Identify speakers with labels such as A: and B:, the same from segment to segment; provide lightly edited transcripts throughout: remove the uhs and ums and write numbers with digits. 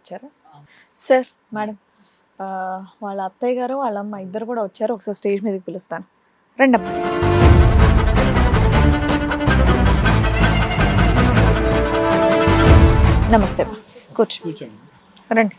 A: వచ్చారా? Sir madam వాళ్ళ అత్తయ్య గారు వాళ్ళ అమ్మ ఇద్దరు కూడా వచ్చారు. ఒకసారి స్టేజ్ మీదకి పిలుస్తాను. రండమ్మా. నమస్తే అమ్మా. కూర్చోండి. రండి.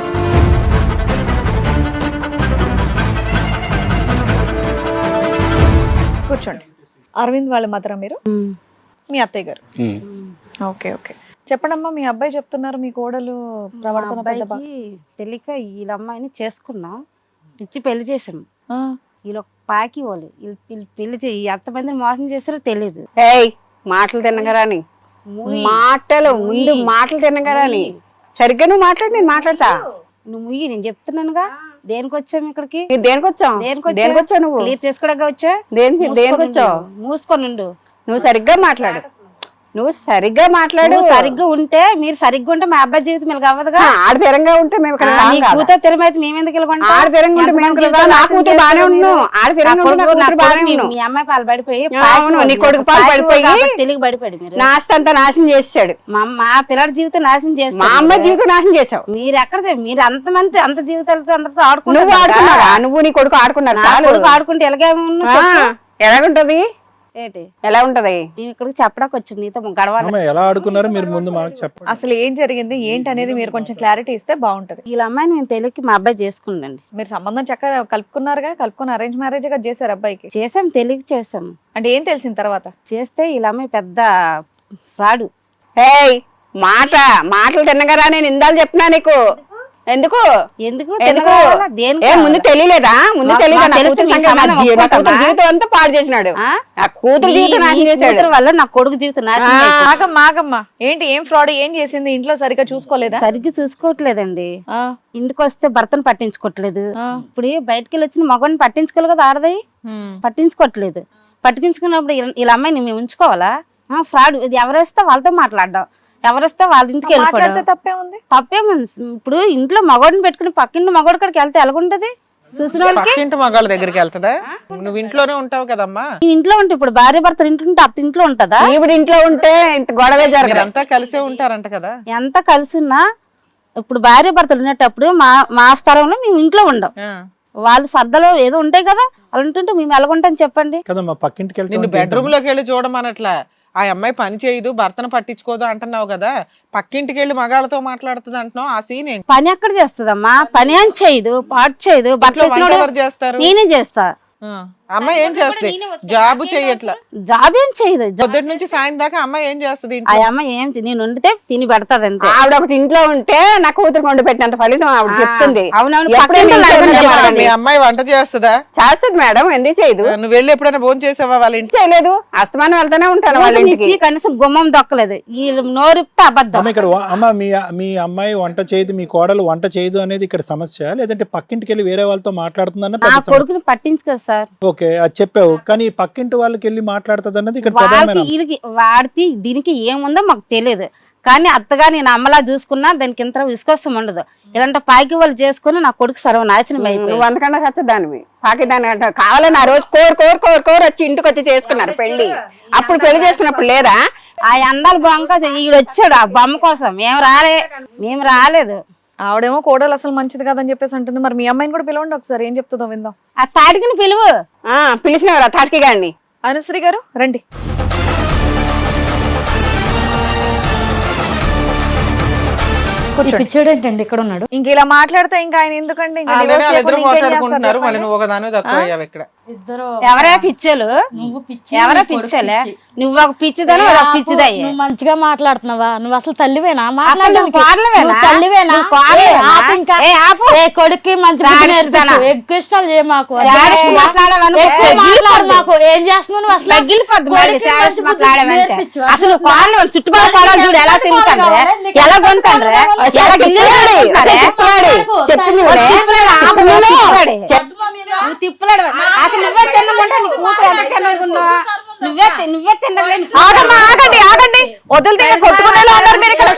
A: కూర్చోండి. అరవింద్ వాళ్ళ మదరా మీరు? మీ అత్తయ్య గారు. ఓకే ఓకే, చెప్పండమ్మా. మీ అబ్బాయి చెప్తున్నారు మీ కోడలు ప్రవర్తన
B: తెలియక వీళ్ళ అమ్మాయిని చేసుకున్నాం, ఇచ్చి పెళ్లి చేసాం. వీళ్ళు పాకి వాళ్ళు పెళ్లి చేయి ఎంతమందిని మోసం చేస్తారో తెలియదు.
C: మాటలు తినగరాని మాటలు ముందు మాటలు తినగరాని సరిగ్గా నువ్వు మాట్లాడు, నేను మాట్లాడతా.
B: నువ్వు ముయ్యి, నేను చెప్తున్నానుగా. దేనికి వచ్చాము ఇక్కడికి?
C: దేనికి వచ్చావు?
B: దేనికి
C: వచ్చావు? నువ్వు
B: క్లియర్ చేసుకోవడానికి వచ్చా.
C: దేనికి వచ్చావు?
B: మూసుకొని ఉండు.
C: నువ్వు సరిగ్గా మాట్లాడు. నువ్వు సరిగ్గా మాట్లాడు.
B: సరిగ్గా ఉంటే మీరు సరిగ్గా ఉంటే మా అబ్బాయి జీవితం మీకు అవ్వదుగా.
C: ఆడతీరంగా ఉంటే మేము
B: కూతురు తిరమైతే మేమెందుకు వెళ్ళకుండా?
C: ఆడతీరంగా ఉంటే నా కూతురు బానే ఉన్నాం. ఆడతీరంగా
B: మీ అమ్మాయి పాలు పడిపోయి
C: నీ కొడుకు పాలు పడిపోయి
B: తెలుగు పడిపోయాడు. మీరు
C: నా ఆస్తి అంతా నాశనం చేసాడు.
B: మా పిల్లడి జీవితం నాశనం చేస్తాడు.
C: మా అమ్మ జీవితం నాశనం చేసావు.
B: మీరు ఎక్కడ మీరు అంతమంది అంత జీవితాలతో అందరితో ఆడుకున్నారు.
C: నువ్వు ఆడుకున్నావా? నువ్వు నీ కొడుకు ఆడుకున్నారు.
B: కొడుకు ఆడుకుంటే
C: ఎలాగుంటది?
B: ఏంటి
C: ఎలా ఉంటది?
B: మేము ఇక్కడికి చెప్పడానికి వచ్చాం, నీతో గడవాలి.
D: ఎలా ఆడుకున్నారు మీరు ముందు మాకు చెప్పండి.
A: అసలు ఏం జరిగింది ఏంటి అనేది మీరు కొంచెం క్లారిటీ ఇస్తే బాగుంటది.
B: వీళ్ళ అమ్మాయిని మేము తెలియక మా అబ్బాయి చేసుకుందండి.
A: మీరు సంబంధం చక్కగా కలుపుకున్నారుగా, కలుపుకుని అరేంజ్ మ్యారేజ్ గా చేశారు అబ్బాయికి?
B: చేసాం, తెలియక చేసాం.
A: అంటే ఏం తెలిసిన తర్వాత?
B: చేస్తే వీళ్ళ అమ్మాయి పెద్ద ఫ్రాడు.
C: మాటలు తిన్నగారా? నేను ఇందాలు చెప్తున్నా నీకు. ఎందుకు ముందు తెలియలేదా? ముందు తెలియదా? జీవితం అంతా పాడు చేసినాడు. నా కూతురు జీవితం నాశనం చేశాడు
B: వల్ల నా కొడుకు జీవితం నాశనం.
A: మాకమ్మా ఏంటి, ఏం ఫ్రాడ్ ఏం చేసింది? ఇంట్లో సరిగ్గా చూసుకోలేదా?
B: సరిగ్గా చూసుకోవట్లేదండి. ఇంటికి వస్తే భర్తను పట్టించుకోవట్లేదు. ఇప్పుడు బయటకి వెళ్ళి వచ్చిన మగవాడిని పట్టించుకోవాలి కదా, ఆడదాయి పట్టించుకోవట్లేదు. పట్టించుకున్నప్పుడు వీళ్ళ అమ్మాయిని మేము ఉంచుకోవాలా? ఫ్రాడ్. ఇది ఎవరేస్తే వాళ్ళతో మాట్లాడడం, ఎవరిస్తే వాళ్ళ ఇంటికి వెళ్ళిపోవడం తప్పేముంది. ఇప్పుడు ఇంట్లో మగవాడిని పెట్టుకుని పక్కింటి మగవాడి కాడికి వెళ్తే ఎలాగుంటది? చూసిన
E: పక్కింటి మగాళ్ళ దగ్గరికి వెళ్తుందా? నువ్వు ఇంట్లోనే ఉంటావు కదమ్మా.
B: ఇంట్లో ఉంటే ఇప్పుడు భార్య భర్తలు ఇంట్లో ఉంటే అత్త ఇంట్లో ఉంటదా?
C: ఇప్పుడు ఇంట్లో ఉంటే ఇంత గొడవ జరగదు.
E: అంతా కలిసే ఉంటారంట కదా.
B: ఎంత కలిసి ఉన్నా ఇప్పుడు భార్య భర్తలు ఉన్నప్పుడు మా స్థలంలో మేము ఇంట్లో ఉండం. వాళ్ళు సర్దలో ఏదో ఉంటాయి కదా, అలా ఉంటుంటే మేము ఎలాగుంటాం చెప్పండి.
E: నిన్ను బెడ్రూమ్ లోకి వెళ్ళి చూడమనట్లా. ఆ అమ్మాయి పని చేయదు, భర్తను పట్టించుకోదు అంటున్నావు కదా. పక్కింటికి వెళ్ళి మగాళ్ళతో మాట్లాడుతుంది అంటున్నావు. ఆ సీన్ ఏంటి?
B: పని ఎక్కడ చేస్తుందమ్మా? పని అని చేయదు, పాటు చేయదు.
E: ఎవరు చేస్తారు?
B: నేనే చేస్తా.
E: అమ్మాయి ఏం చేస్తుంది? జాబ్ చేయట్లా.
B: జాబ్ ఏం చేయదు.
E: పొద్దుటి నుంచి సాయం దాకా అమ్మాయి ఏం చేస్తుంది?
B: ఆ అమ్మాయి ఏం నేను వండితే తిని పెడతాది అంతే.
C: ఆవిడ ఒకటి ఇంట్లో ఉంటే నా కూతురు వండి పెట్టినంత ఫలితం ఆవిడ చెప్తుంది.
B: అవునవును.
E: మీ అమ్మాయి వంట చేస్తుందా?
C: చేస్తుంది మేడం, ఎందుకు చేయదు?
E: నువ్వు వెళ్ళి ఎప్పుడైనా భోజనం చేసావా వాళ్ళ ఇంటి?
C: చేయలేదు, అస్తమానం వెళ్తానే ఉంటాను వాళ్ళ ఇంటికి.
B: కనీసం గుమ్మం దొక్కలేదు. వీళ్ళు నోరిప్తే అబద్ధం.
D: ఇక్కడ అమ్మ మీ అమ్మాయి వంట చేయదు, మీ కోడలు వంట చేయదు అనేది ఇక్కడ సమస్య, లేదంటే పక్కింటికి వెళ్ళి వేరే వాళ్ళతో మాట్లాడుతుందన్న
B: నా కొడుకుని పట్టించుకోదు సార్.
D: ఓకే, అది చెప్పావు, కానీ పక్కింటి వాళ్ళకి వెళ్ళి మాట్లాడుతుంది అన్నది ఇక్కడ
B: వాడికి దీనికి ఏముందో మాకు తెలియదు. కానీ అత్తగా నేను అమ్మలా చూసుకున్నా దానికి ఇంత విశ్వాసం ఉండదు. ఇలాంటి పాకి వాళ్ళు చేసుకుని నా కొడుకు సర్వనాశనం అయిపోయింది.
C: అంతకన్నా ఖచ్చితంగా పాకి దాని కావాలని ఆ రోజు కోరు వచ్చి ఇంటికి వచ్చి చేసుకున్నారు పెళ్లి. అప్పుడు పెళ్లి చేసుకున్నప్పుడు లేదా?
B: ఆ అందాల బొమ్మ ఈడు వచ్చాడు ఆ బొమ్మ కోసం. మేము రాలేదు.
A: ఆవిడేమో కోడలు అసలు మంచిది కాదని చెప్పేసి అంటుంది. మరి మీ అమ్మాయిని కూడా పిలవండి ఒకసారి, ఏం చెప్తుందో విందాం.
B: ఆ తాటికిని పిలువు.
C: పిలిచినవారు ఆ తాటికి గారిని.
A: అనుశ్రీ గారు రండి.
B: పిచ్చాడేంటండి ఇక్కడ ఉన్నాడు?
A: ఇంక ఇలా మాట్లాడితే ఇంకా ఆయన ఎందుకండి?
B: ఎవరే పిచ్చలు? ఎవరే పిచ్చలే? నువ్వు ఒక పిచ్చిదని ఒక పిచ్చిదయ్యి.
F: మంచిగా మాట్లాడుతున్నావా? నువ్వు అసలు తల్లివేనా? కొడుక్కి మంచిగా ఎక్కువ ఇష్టాలు చేయ మాకు. ఏం చేస్తున్నావు
B: అసలు చుట్టుపక్కల చూడు ఎలా తింటాడు, ఎలా కొంటాడు. తిప్పలాడు అసలు నువ్వే తిన్నమంటే నీ కూతురు ఎంత తిన్నకున్నావా? నువ్వే తినలేదు.
A: ఆగండి వదిలితే కొట్టుకునేలా ఉన్నారు మీరు ఇక్కడ.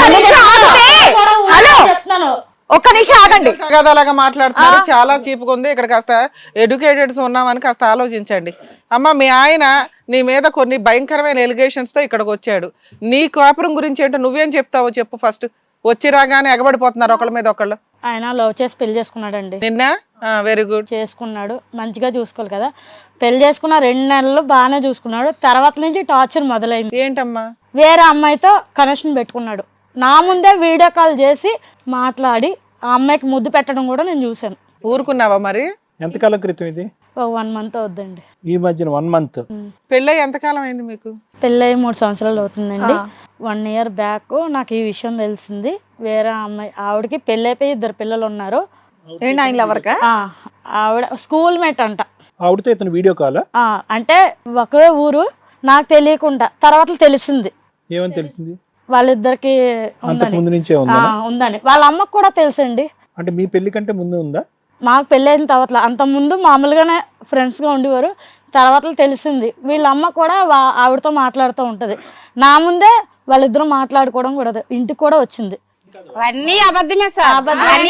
A: ఒక్క నిమిషం ఆగండి.
E: అలాగా మాట్లాడుతున్నారు, చాలా చీపుగా ఉంది. ఇక్కడ కాస్త ఎడ్యుకేటెడ్స్ ఉన్నామని కాస్త ఆలోచించండి. అమ్మ, మీ ఆయన నీ మీద కొన్ని భయంకరమైన ఎలిగేషన్స్ తో ఇక్కడికి వచ్చాడు. నీ కాపురం గురించి ఏంటో నువ్వేం చెప్తావో చెప్పు ఫస్ట్. వచ్చి రాగానే ఎగబడిపోతున్నారు ఒకళ్ళ మీద ఒకళ్ళు.
F: ఆయన లవ్ చేసి పెళ్లి చేసుకున్నాడండి.
E: నిన్న వెరీ గుడ్
F: చేసుకున్నాడు, మంచిగా చూసుకోవాలి కదా. పెళ్లి చేసుకున్న 2 నెలలు బాగానే చూసుకున్నాడు. తర్వాత నుంచి టార్చర్ మొదలైంది.
E: ఏంటమ్మా?
F: వేరే అమ్మాయితో కనెక్షన్ పెట్టుకున్నాడు. నా ముందే వీడియో కాల్ చేసి మాట్లాడి ఆ అమ్మాయికి ముద్దు పెట్టడం కూడా నేను చూశాను.
E: ఊరుకున్నావా మరి?
D: ఎంతకాలం క్రితం ఇది?
F: 1 month అవుద్దండి.
D: ఈ మధ్యన 1 month.
E: పెళ్ళై ఎంతకాలం అయింది మీకు?
F: పెళ్ళయి 3 సంవత్సరాలు అవుతుందండి. 1 year బ్యాక్ నాకు ఈ విషయం తెలిసింది. వేరే అమ్మాయి, ఆవిడకి పెళ్ళి అయిపోయి 2 పిల్లలు ఉన్నారు.
A: ఏంటి ఆయన లవర్కా?
F: ఆవిడ స్కూల్ మేట్ అంట.
D: ఆవిడతో ఇతను వీడియో కాల్?
F: అంటే ఒకే ఊరు, నాకు తెలియకుండా తర్వాత తెలిసింది.
D: ఏమని తెలిసింది?
F: వాళ్ళిద్దరికి
D: ముందు నుంచే ఉందా?
F: ఉందని వాళ్ళ అమ్మకు కూడా తెలుసండి.
D: అంటే మీ పెళ్లి కంటే ముందు ఉందా?
F: మాకు పెళ్ళైన తర్వాత, అంత ముందు మామూలుగానే ఫ్రెండ్స్ గా ఉండేవారు. తర్వాత తెలిసింది. వీళ్ళ అమ్మ కూడా ఆవిడతో మాట్లాడుతూ ఉంటది. నా ముందే వాళ్ళిద్దరూ మాట్లాడుకోవడం కూడా ఇంటికి కూడా వచ్చింది.
B: అన్నీ అబద్ధమే సార్.
F: అబద్ధమే.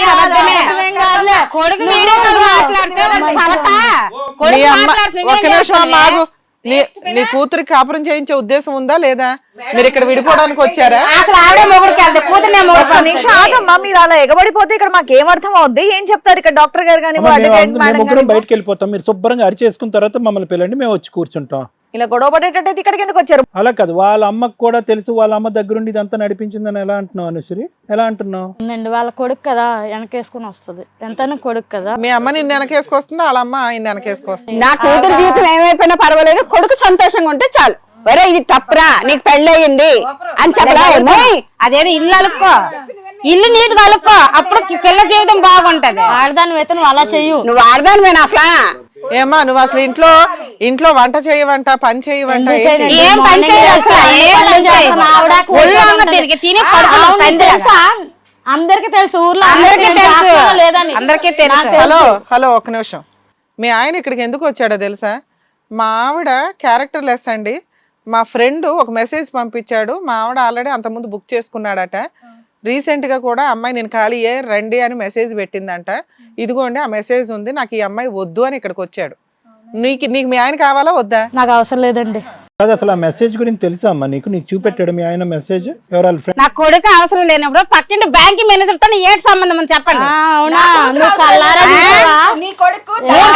B: కొడుకు వీడియో కాల్ మాట్లాడితే వాడు సవట. కొడుకు
E: మీ అమ్మ
B: మాట్లాడుతూ
E: ఒక్క నిమిషం అమ్మ ఆగు. నీ కూతురికి కాపురం చేయించే ఉద్దేశం ఉందా లేదా? మీరు ఇక్కడ విడిపోవడానికి వచ్చారా?
B: అసలు ఆవిడే మొగుడికి వెళ్తే కూతురునే మొగుడు.
A: నిమిషం ఆగమ్మా, మీరు అలా ఎగబడిపోతే ఇక్కడ మాకు ఏం అర్థం అవుద్ది? ఏం చెప్తారు ఇక్కడ డాక్టర్ గారు కానీ
D: మేము ముగ్గురం బయటకు వెళ్ళిపోతాం, మీరు శుభ్రంగా అరిచేసుకున్న తర్వాత మమ్మల్ని పిల్లండి, మేము వచ్చి కూర్చుంటాం.
A: ఇలా గొడవ పడేటట్టయితే ఇక్కడికి ఎందుకు వచ్చారు?
D: అలా కాదు, వాళ్ళ అమ్మకు కూడా తెలుసు, వాళ్ళ అమ్మ దగ్గరుండి ఇదంతా నడిపించిందని ఎలా అంటున్నావు అనుశ్రీ? ఎలా అంటున్నావు?
F: వాళ్ళ కొడుకు కదా, వెనకేసుకుని వస్తుంది. ఎంతైనా కొడుకు కదా.
E: మీ అమ్మ నిన్ను వెనకేసుకొస్తుందా, వాళ్ళ అమ్మ ఆయన వెనకేసుకొస్తుంది?
C: నా కూతురు జీవితం ఏమైపోయినా పర్వాలేదు, కొడుకు సంతోషంగా ఉంటే చాలు. ఒరే ఇది తప్పురా, నీకు పెళ్ళయింది అని చెప్పరా?
B: అదేదో ఇల్లు అలుక్కో, ఇల్లు నీట్ కలుపుకో, అప్పుడు పిల్ల జీవితం బాగుంటది.
F: ఆడదాని అయితే నువ్వు అలా చెయ్యు.
C: నువ్వు ఆడదానివేనా అసలు?
E: ఏమా నువ్వు అసలు ఇంట్లో వంట చేయవంట, పని చేయవంట?
B: ఏం పని చేయదు అసలు, ఏం పని చేయదు. ఒళ్ళంగా తిరిగి తిని పడుకుని
F: తెలుసా? అందరికి తెలుసు, ఊర్లో
B: అందరికీ తెలుసు,
F: లేదని
B: అందరికీ తెలుసు.
E: హలో ఒక్క నిమిషం. మీ ఆయన ఇక్కడికి ఎందుకు వచ్చాడో తెలుసా? మా ఆవిడ క్యారెక్టర్ లెస్ అండి. మా ఫ్రెండ్ ఒక మెసేజ్ పంపించాడు. మా ఆవిడ ఆల్రెడీ అంతకుముందు బుక్ చేసుకున్నాడట. రీసెంట్గా కూడా అమ్మాయి నేను ఖాళీయే రండి అని మెసేజ్ పెట్టిందంట. ఇదిగోండి ఆ మెసేజ్ ఉంది, నాకు ఈ అమ్మాయి వద్దు అని ఇక్కడికి వచ్చాడు. నీకు మీ ఆయన కావాలా వద్దా?
F: నాకు అవసరం లేదండి.
D: కాదు, అసలు ఆ మెసేజ్ గురించి తెలుసా అమ్మా నీకు? నీకు చూపెట్టాడు మీ ఆయన మెసేజ్? ఎవరాల ఫ్రెండ్?
B: నా కొడుకు అవసరం లేనప్పుడు పక్కింటి బ్యాంక్ మేనేజర్ తో ఏడు సంబంధం అని చెప్పండి.
F: అవునా? నువ్వు కల్లారా చూసావా?
A: నీ కొడుకు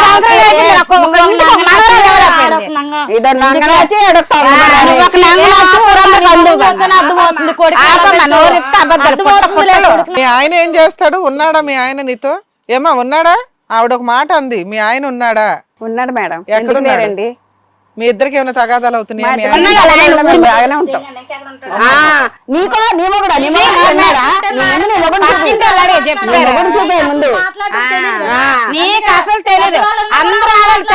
E: మీ ఆయన ఏం చేస్తాడు? ఉన్నాడా మీ ఆయన నీతో? ఏమా ఉన్నాడా? ఆవిడ ఒక మాట అంది, మీ ఆయన ఉన్నాడా?
C: ఉన్నాడు మేడం.
E: ఎక్కడున్నారండి? మీ ఇద్దరికి ఏమైనా తగాదాలు అవుతున్నాయా?
B: నీకు అసలు తెలియదు. అందరూ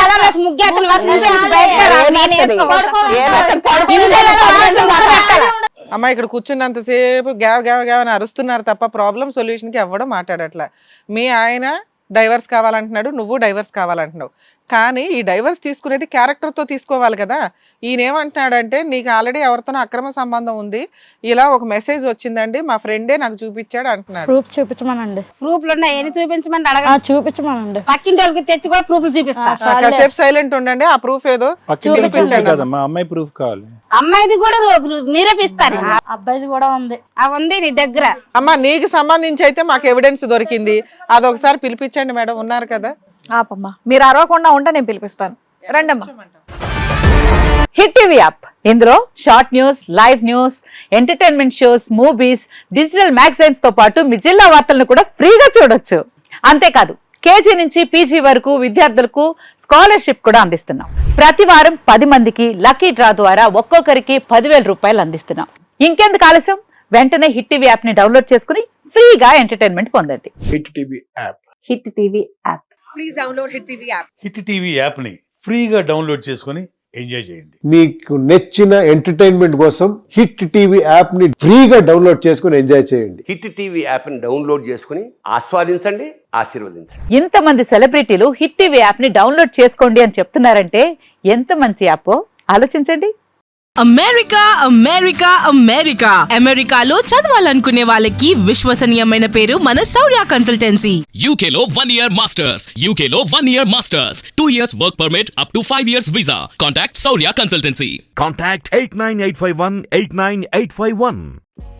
E: అమ్మ ఇక్కడ కూర్చున్నంతసేపు గ్యావ్ గ్యావ్ గ్యావ్ అని అరుస్తున్నారు తప్ప ప్రాబ్లం సొల్యూషన్ కి ఎవ్వడం మాట్లాడట్లా. మీ ఆయన డైవర్స్ కావాలంటున్నాడు, నువ్వు డైవర్స్ కావాలంటున్నావు. కానీ ఈ డైవర్స్ తీసుకునేది క్యారెక్టర్తో తీసుకోవాలి కదా. ఈయన ఏమంటున్నాడంటే నీకు ఆల్రెడీ ఎవరితోనో అక్రమ సంబంధం ఉంది, ఇలా ఒక మెసేజ్ వచ్చిందండి మా ఫ్రెండే నాకు చూపించాడు అంటున్నాడు.
F: ప్రూఫ్ చూపించమనండి.
B: ప్రూఫ్లు ఉన్నాయి, ఏమి చూపించమని అడగ.
F: చూపించమనండి.
B: పక్కింటి వాళ్ళకి తెచ్చి కూడా ప్రూఫ్లు చూపిస్తా.
E: కాసేపు సైలెంట్ ఉండండి, ఆ ప్రూఫ్ ఏదో
D: కదమ్మా, అమ్మాయి ప్రూఫ్ కావాలి.
B: అమ్మాయిది కూడా నిరూపిస్తారు.
F: అబ్బాయిది కూడా ఉంది.
B: అవి ఉంది నీ దగ్గర.
E: అమ్మ నీకు సంబంధించి అయితే మాకు ఎవిడెన్స్ దొరికింది, అదొకసారి పిలిపించండి మేడం. ఉన్నారు కదా?
A: ఆపమ్మా, మీరు అరవకుండా ఉంటే నేను పిలిపిస్తాను. రండమ్మా. హిట్ టీవీ యాప్, ఇందులో short news, live news, entertainment shows, movies, digital magazines తో పాటు మీ జిల్లా వార్తలను కూడా ఫ్రీగా చూడొచ్చు. అంతేకాదు కేజీ నుంచి పీజీ వరకు విద్యార్థులకు స్కాలర్షిప్ కూడా అందిస్తున్నాం. ప్రతి వారం 10 మందికి లక్కీ డ్రా ద్వారా ఒక్కొక్కరికి 10,000 రూపాయలు అందిస్తున్నాం. ఇంకెందుకు ఆలస్యం, వెంటనే హిట్ టీవీ యాప్ ని డౌన్లోడ్ చేసుకుని ఫ్రీగా ఎంటర్టైన్మెంట్ పొందండి.
G: Hit TV app.
A: Hit TV app.
H: Please download hit TV app.
G: Hit TV app ని ఫ్రీగా డౌన్లోడ్ చేసుకుని ఎంజాయ్ చేయండి.
I: మీకు నచ్చిన ఎంటర్టైన్మెంట్ కోసం హిట్ టీవీ యాప్ ని ఫ్రీగా డౌన్లోడ్ చేసుకుని ఎంజాయ్ చేయండి.
J: హిట్ టీవీ యాప్ ని డౌన్లోడ్ చేసుకుని ఆస్వాదించండి, ఆశీర్వదించండి.
A: ఇంతమంది సెలబ్రిటీలు హిట్ టీవీ యాప్ ని డౌన్లోడ్ చేసుకోండి అని చెప్తున్నారంటే ఎంత మంచి యాప్ ఆలోచించండి.
H: అమెరికా అమెరికా అమెరికా అమెరికాలో చదవాలనుకునే వాళ్ళకి విశ్వసనీయమైన పేరు మన శౌర్య కన్సల్టెన్సీ.
K: UK లో 1 year masters. UK లో 1 year masters. 2 years work permit up to 5 years visa. Contact Saurya Consultancy.
L: Contact 89851 89851.